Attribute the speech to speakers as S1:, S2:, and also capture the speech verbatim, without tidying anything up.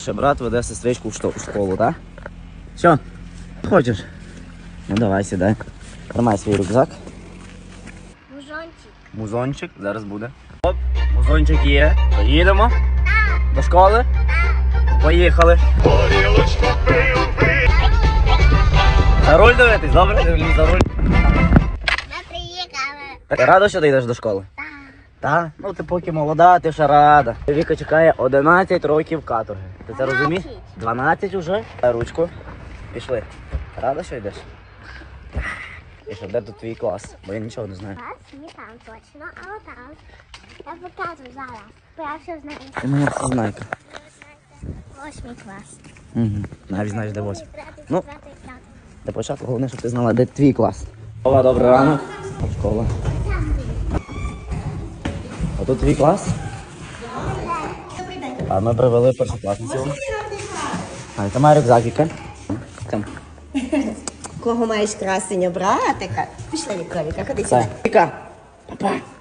S1: Ще брат веде сестричку в што- в школу, так? Що? Хочеш? Ну давай, сідай. Тримай свій рюкзак.
S2: Музончик.
S1: Музончик зараз буде. Оп, музончик є. Поїдемо? До школи? Поїхали. За руль дивитись, добре? Дивлюсь за руль.
S2: Ми приїхали.
S1: Ти рада, що ти йдеш до школи?
S2: Так.
S1: Так? Ну ти поки молода, ти ще рада. Віка чекає одинадцять років каторги. Ти це розумієш? дванадцять уже. Дай ручку. Пішли. Рада, що йдеш? І що, де тут твій клас? Бо я нічого не знаю.
S2: Клас не там точно, а отам. Я покажу зараз. Бо я все знаю.
S1: Ти моя всезнайка.
S2: Восьмий клас.
S1: Угу. Навіть знаєш, де восьмий. Ну.
S2: П'ятий, п'ятий.
S1: Для початку головне, щоб ти знала, де твій клас. Школа, добрий ранок. Школа. А тут твій клас? А ми привели першокласницю. А, це має рюкзак, Віка. Там.
S3: Кого маєш красення братика? Пішли, Вікторіка, ходи
S1: Все.
S3: сюди.
S1: Віка. Папа.